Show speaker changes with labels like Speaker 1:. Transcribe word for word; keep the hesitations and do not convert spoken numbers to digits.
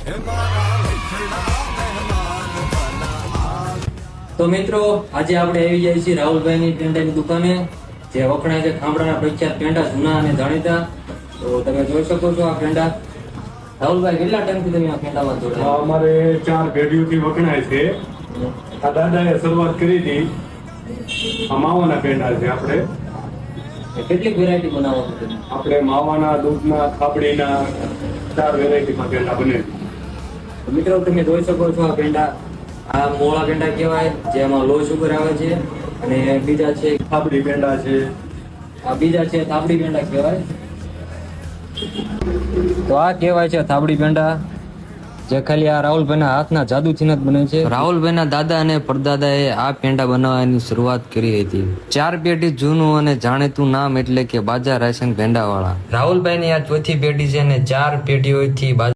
Speaker 1: તો મિત્રો આજે આપણે આવી જાય છીએ રાહુલભાઈની પેંડાની દુકાને, જે વખણાય છે ખામડાના પ્રખ્યાત પેંડા જૂના અને જાણીતા. તો તમે જોઈ શકો છો આ પેંડા. રાહુલભાઈ, કેટલા ટાઈમથી તમે આ પેંડામાં
Speaker 2: આ
Speaker 1: જોડાયા?
Speaker 2: અમારે ચાર પેઢીઓથી વખણાય છે. આ દાદાએ શરૂઆત કરી હતી. આ માવાના પેંડા છે. આપણે
Speaker 1: કેટલી વેરાયટી બનાવો છો તમે?
Speaker 2: આપણે માવાના, દૂધના, ખાબડીના ચાર વેરાયટીમાં પેંડા બને છે.
Speaker 1: તો મિત્રો તમે જોઈ શકો છો આ પેંડા, આ મોળા પેંડા કહેવાય, જેમાં લો શુગર આવે છે. અને બીજા છે
Speaker 2: ખાબડી પેંડા છે.
Speaker 1: આ બીજા છે થાબડી પેંડા કહેવાય. તો આ કહેવાય છે થાબડી પેંડા, જે ખાલી આ રાહુલભાઈના હાથના જાદુથી જ બને છે. રાહુલભાઈના દાદા અને પરદાદાએ આ પેંડા બનાવવાની શરૂઆત કરી હતી. ચાર પેઢી જૂનું અને જાણીતું નામ એટલે કે બાજા રાયસંગ પેંડાવાળા. રાહુલભાઈની આ ચોથી પેઢી છે અને ચાર પેઢીઓથી બાજા